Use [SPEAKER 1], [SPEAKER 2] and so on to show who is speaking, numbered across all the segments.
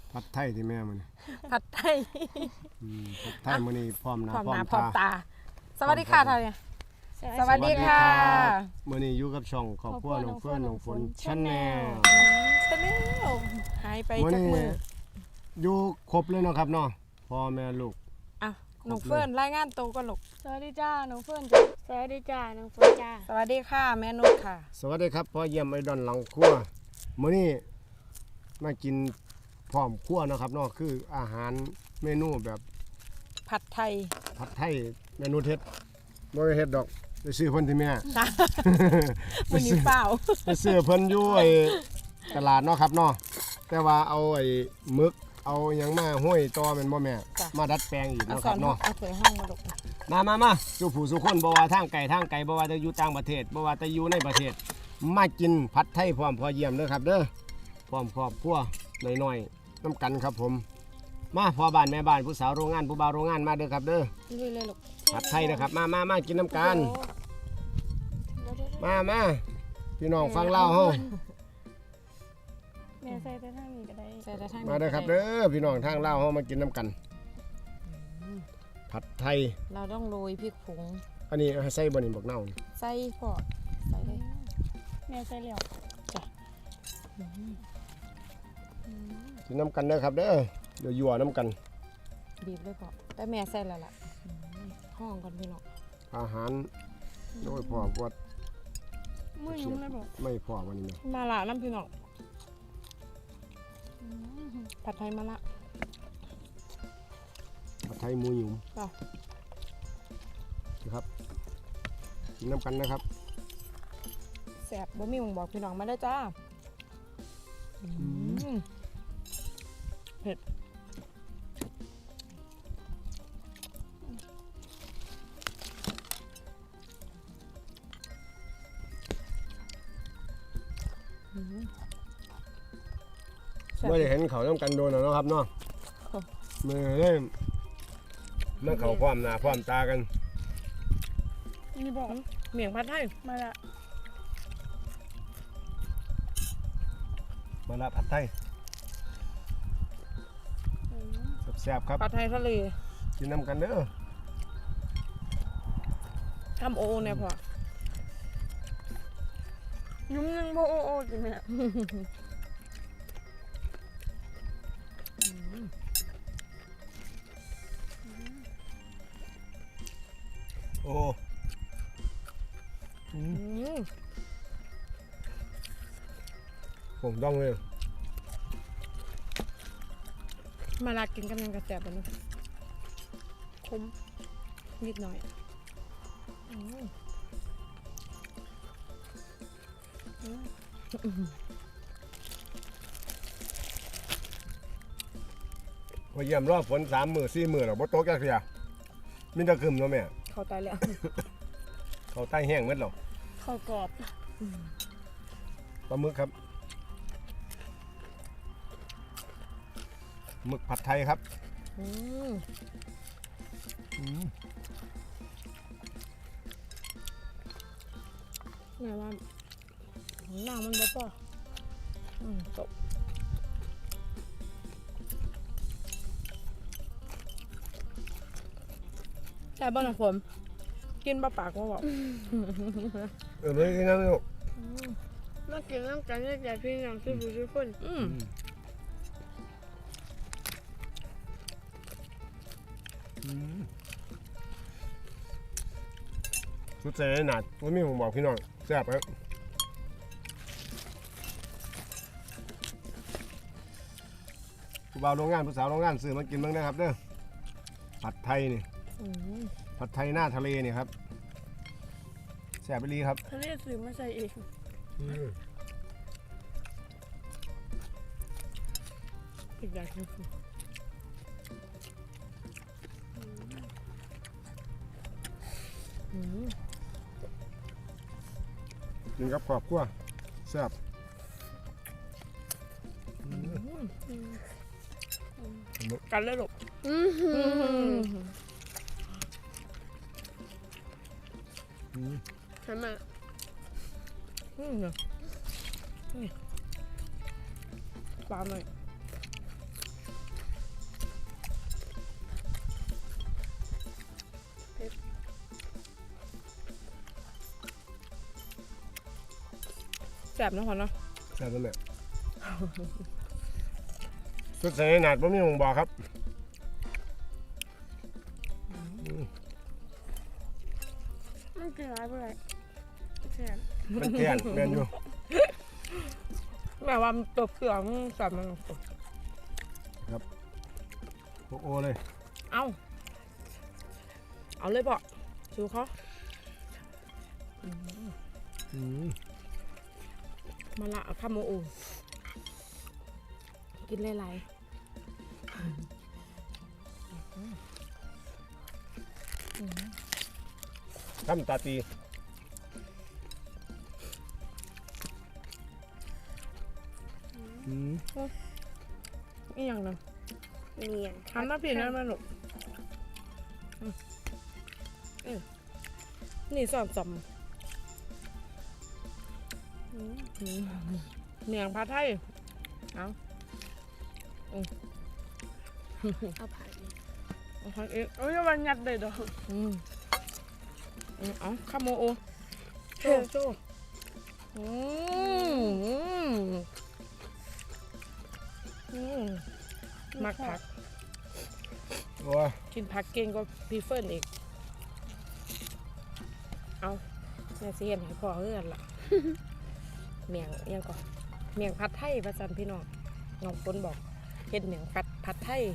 [SPEAKER 1] ผัดไทยที่แม่มัน
[SPEAKER 2] ผัดไทย
[SPEAKER 1] ผัดไทยมื้อนี้พร้อมหน้า
[SPEAKER 2] พร้อม
[SPEAKER 1] พร้อ
[SPEAKER 2] หน้าม พร้อม
[SPEAKER 1] ตา
[SPEAKER 2] ตา สวัสดีค่ะท่านเนี่ยสวัสดีค่ะ
[SPEAKER 1] มื้อนี้อยู่กับช่องครอบครัวน้องเฟื่อนน้องฝนชาแนล
[SPEAKER 2] ชาแนลหายไป
[SPEAKER 1] มื้อ
[SPEAKER 2] จาก
[SPEAKER 1] นี้
[SPEAKER 2] มือ
[SPEAKER 1] อยู่ครบเลยเนาะครับเนาะพ่อแม่ลูก
[SPEAKER 2] อ่ะหนูเฟิร์นรายงานตัวก็ลูก
[SPEAKER 3] สวัสดีจ้าน้องเฟิร์นจ้าสวัสดีจ้าน้องเฟิร์นจ้า
[SPEAKER 2] สวัสดีค่ะแม่นุชค่ะ
[SPEAKER 1] สวัสดีครับพ่อเยี่ยมไอดอนหลังครัวมื้อนี้มากินพร้อมครัวเนาะครับเนาะคืออาหารเมนูแบบ
[SPEAKER 2] ผัดไทย
[SPEAKER 1] ผัดไทยเมนูเฮ็ดบ่ได้เฮ็ดดอกไปซื้อเพิ่นที่แม่
[SPEAKER 2] จ้าวันนี้เปล่า
[SPEAKER 1] ไปซื้อเพิ่นอยู่ไอ้ตลาดเนาะครับเนาะแต่ว่าเอาไอ้หมึกเอาหยังมาห้อยต่อแม่นบ่แม่มาดัดแปลงอีก
[SPEAKER 2] เอา
[SPEAKER 1] เนาะ
[SPEAKER 2] ส
[SPEAKER 1] ค
[SPEAKER 2] อ
[SPEAKER 1] รั
[SPEAKER 2] น
[SPEAKER 1] บเนาะ
[SPEAKER 2] เอาถ้วยห้องมาลูก
[SPEAKER 1] มาสู่ผู้สู่คนบ่ว่าทางไกลบ่ว่าจะอยู่ต่างประเทศบ่ว่าจะอยู่ในประเทศ มากินผัดไทยพร้อมพอเยี่ยมเด้อครับเด้อพร้อมครอบครัวน้อยๆน้ำกันครับผมมาพ่อบ้านแม่บ้านผู้สาวโรงงานผู้บ่าวโรงงานมาเด้อครับเด้อ
[SPEAKER 2] ลุยเลยลูก
[SPEAKER 1] ผัดไทยนะครับมากินน้ำกันมาพี่น้องฟังเล่าเฮา
[SPEAKER 3] แม่ใส่แต่ท่านี้ก็ได้
[SPEAKER 2] ใส่แต่ทางนี้
[SPEAKER 1] มาเด้อครับเด้อพี่น้องทางเล่าเฮามากินน้ำกัน ผัดไทย
[SPEAKER 2] เราต้องโรยพริกผง
[SPEAKER 1] อันนี้ให้ใส่บ่นี่บักเน่านี่
[SPEAKER 2] ใส่พอใส่เลย
[SPEAKER 3] แม่ใส่แล้ว
[SPEAKER 1] กินน้ำกันเด้อครับเด้อเดี๋ยวยั่วน้ำกัน
[SPEAKER 2] บีบเลยพอแต่แม่ใส่แล้วล่ะห้องกันพี่น้อง
[SPEAKER 1] อาหารโดยพ่อวัด
[SPEAKER 3] มือยุ่งเลยบอก
[SPEAKER 1] ไม่พอวันนี้แม่
[SPEAKER 2] มาละน้ำพี่น้องผัดไทยมาละ
[SPEAKER 1] ผัดไทยหมูหยุ่ม
[SPEAKER 2] จ้ะ
[SPEAKER 1] นะครับกินน้ำกันนะครับ
[SPEAKER 2] แสบบ่มีหมองบอกพี่น้องมาได้อจ้าเผ็ดแซ่บ
[SPEAKER 1] ไม่ได้เห็นเขาน้ำกันโดนแล้วเนาะครับเนาะมือเล่มเมื่อเขาพร้อมหน้าพร้อมตากัน
[SPEAKER 3] นี่บอก
[SPEAKER 2] เมี่ยงผัดไทย
[SPEAKER 3] มาละ
[SPEAKER 1] มาละผัดไทยแซ่บๆครับ
[SPEAKER 2] ผัดไทยทะเล
[SPEAKER 1] กินน้ำกันเด้อ
[SPEAKER 2] ทำโอเนี่ยพอ
[SPEAKER 3] ยุ่งยังโบโอโอจิแม่
[SPEAKER 1] โอ้ผมต้องเลย
[SPEAKER 2] มาลากินกันยังกระแสบแบบนี้คมนิดหน่อย
[SPEAKER 1] พอเยี่ยมรอบฝน3 มื้อ4 มื้อแล้วบ่ตกจักเที่ยมีแต่ขึ้นเนาะแม่
[SPEAKER 2] เข้าตายแล้ว
[SPEAKER 1] เขาใต้แห้งหมดแล้ว
[SPEAKER 3] ข้าวกรอบ
[SPEAKER 1] ปลาหมึกครับหมึกผัดไทยครับ
[SPEAKER 2] แม่ว่าหน้ามันบ่พอจบแต่บ้านของผมกินบะปากว่าบอก
[SPEAKER 1] ไม่กินน้ำลูก
[SPEAKER 3] มากินน้ำกันได้ใจพี่น้องซื้อผู้ซื้อคน
[SPEAKER 1] สุดใจหนาดว่ามีผมบอกพี่น้องแซ่บครับผู้บ่าวโรงงานผู้สาวโรงงานซื้อมากินบ้างนะครับเด้อผัดไทยนี่ผัดไทยหน้าทะเลนี่ครับแซ่บไปรีครับ
[SPEAKER 3] ทะเลซื้อมาใส่เอง
[SPEAKER 2] อีกอย่างนึง
[SPEAKER 1] กินกับครอบครัวแซ่บ
[SPEAKER 2] กันเลยลูก
[SPEAKER 3] ใช่ไหม
[SPEAKER 2] ปลาหน่อยแซ่บเนาะพ่อเนาะ
[SPEAKER 1] แซ่บแล้วแม่สุดใส่หนาดบ่มีหงบอกครับ
[SPEAKER 3] มันกินอะไรไปเลยแซ่บ
[SPEAKER 1] มันเตี้ยนแม่นอยู่
[SPEAKER 2] แม่ว่ามันตัวเปลือกมันแซ่บมัน
[SPEAKER 1] โอ้เลย
[SPEAKER 2] เอาเลยพ่อชูเขา มาละเอาข้าวโมโอกินหลาย
[SPEAKER 1] ทำตาตี
[SPEAKER 2] ๆนี่อย่างนั้น
[SPEAKER 3] เนียน
[SPEAKER 2] ทำหน้าผิดนะมันหนุกนี่สอนจำเนียงผัดไทยเอา
[SPEAKER 3] เอาผัด
[SPEAKER 2] เอาผัดเอง
[SPEAKER 3] โอ้ยวันยัดเลยดอก
[SPEAKER 2] เอาข้าวโมโอ
[SPEAKER 3] โซ่โซ่
[SPEAKER 2] มักผัก
[SPEAKER 1] โอ้ย
[SPEAKER 2] กินผักเก่งก็พี่เฟิร์นอีกเอาแม่สิเห็นให้พ่อเอื้อนล่ะ เมียงยังก่อนเมียงผัดไทยประจันพี่น้องน้องฝนบอกเห็นเมียงผัดไทย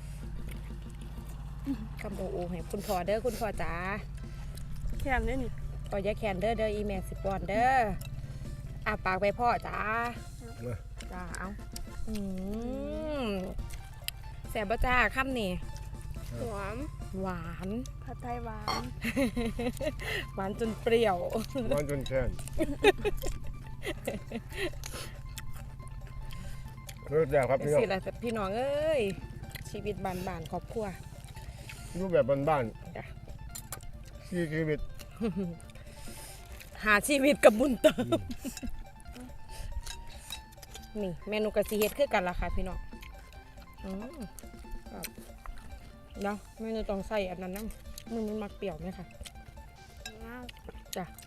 [SPEAKER 2] คำโอโอให้คุณพ่อเด้อคุณพ่อจ๋า
[SPEAKER 3] แค่นี้นี่
[SPEAKER 2] พ่ออย่าแคนเด้ออีแม่สิปอนเด้ออาปากไปพ่อจ๋าจ้าเอาแซ่บบ่จ้าคำนี่
[SPEAKER 3] หวาน
[SPEAKER 2] หวาน
[SPEAKER 3] ผัดไทยหวาน
[SPEAKER 2] หวานจนเปรี้ยว
[SPEAKER 1] ร้อนจนแช่นเลิกแล้วครับพี่น้อง
[SPEAKER 2] สิล่ะพี่น้องเอ้ยชีวิตบ้านๆครอบครัว
[SPEAKER 1] รูปแบบบ้าน
[SPEAKER 2] จ้ะ
[SPEAKER 1] ๆชีวิต
[SPEAKER 2] หาชีวิตกับบุญเติมนี่เมนูกะสิเฮ็ดคือกันล่ะค่ะพี่น้องครับเนาะเมนูต้องใส่อันนั้นนะมันมักเปรี้ยวไหมคะจ้ะ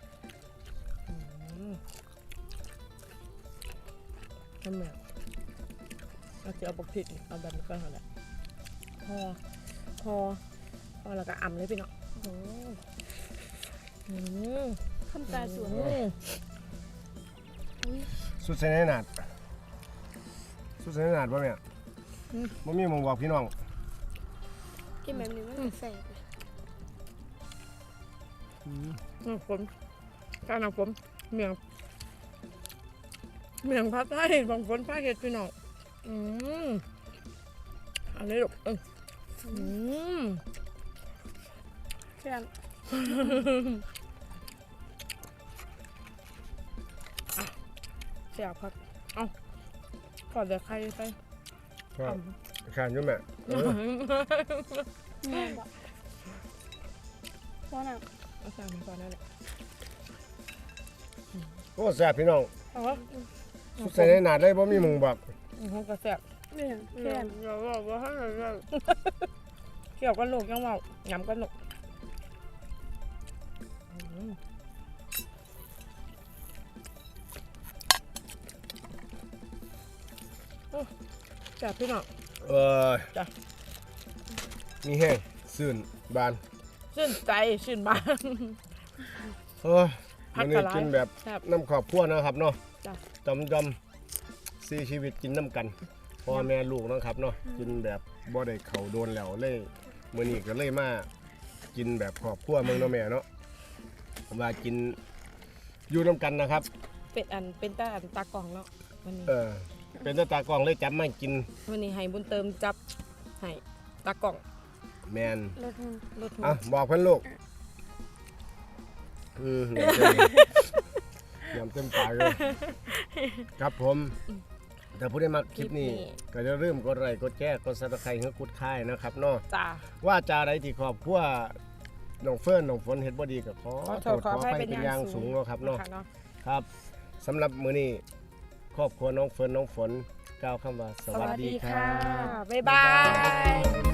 [SPEAKER 2] ทำเหมือนเราจะเอาปกผิดเอาแบบนี้ก็เท่านั้นพอแล้วก็อ่ำเลยพี่น้อง
[SPEAKER 3] คำตาสวย
[SPEAKER 1] สุดใส่หนาดสุดใส่หนาดป่ะแม่บ่มีหงบอกพี่น้อง
[SPEAKER 3] กินแบบนี้มันจะแซ่บ
[SPEAKER 2] น้ำฝนการน้ำฝนเมียงผัดไทยบางฝนผ้าเห็ดพี่น้องอันนี้ลูก
[SPEAKER 3] แซ่บ
[SPEAKER 2] เสียบครับเอาขอเดี๋ยวใครไป
[SPEAKER 1] ครับขานอยู่แม่
[SPEAKER 3] แม่บอกเพราะน่ะ
[SPEAKER 2] เอาสั่งก่อนนั่นแหละ
[SPEAKER 1] โอ้แซ่บพี่น้อง
[SPEAKER 2] เอาวะ
[SPEAKER 1] สุดใส่หนาดเลยบ่มีหงบอก
[SPEAKER 2] ห้องกระแซ่บ
[SPEAKER 3] เนี่ยแซ่บอย่าบอกว่าให้เรา
[SPEAKER 2] เกี่ยวกันลูกยังเมาหยำกันลูกแซ่บพี่น้อง จ้ะ
[SPEAKER 1] มีแห้งซื่นบาน
[SPEAKER 2] ชื่นใจชื่นบาน
[SPEAKER 1] วันนี้กินแบบ
[SPEAKER 2] แซ่บ
[SPEAKER 1] น้ำขอบพัวนะครับเนาะ
[SPEAKER 2] จ้ะ
[SPEAKER 1] จำซีชีวิตกินน้ำกันพ่อแม่ลูกนะครับเนาะกินแบบบ่ได้เข่าโดนแล้วเลยมื้อนี้ก็เลยมากินแบบขอบพัวเมืองเนาะแม่เนาะว่ากินอยู่น้ำกันนะครับ
[SPEAKER 2] เป็นตากล่องแล้ววันนี้
[SPEAKER 1] เป็นตากล้องเลยจับมากิน
[SPEAKER 2] วันนี้ให้บุญเติมจับให้ตากล่อง
[SPEAKER 1] แมน
[SPEAKER 3] รสมัน
[SPEAKER 2] รถหัว
[SPEAKER 1] อ่ะบอกเพื่อนลูกยำเต็มปากเลยครับผมแต่ผู้ได้มาคลิปนี้ก็จะเริ่าลืมกดไลค์กดแชร์กดซับสไครต์ให้กดค่ายนะครับเนาะ
[SPEAKER 2] จ้า
[SPEAKER 1] ว่าจาอะไรที่ครอบครัวน้องเฟิร์นน้องฝนเฮ็ดบ่ดีก็ขอโทษขออภัยเป็นอย่างสูงเนาะครับเนาะครับสำหรับมื้อนี้ครอบครัวน้องเฟิร์นน้องฝนกล่าวคำว่าสวัสดีครับ
[SPEAKER 2] บ๊ายบาย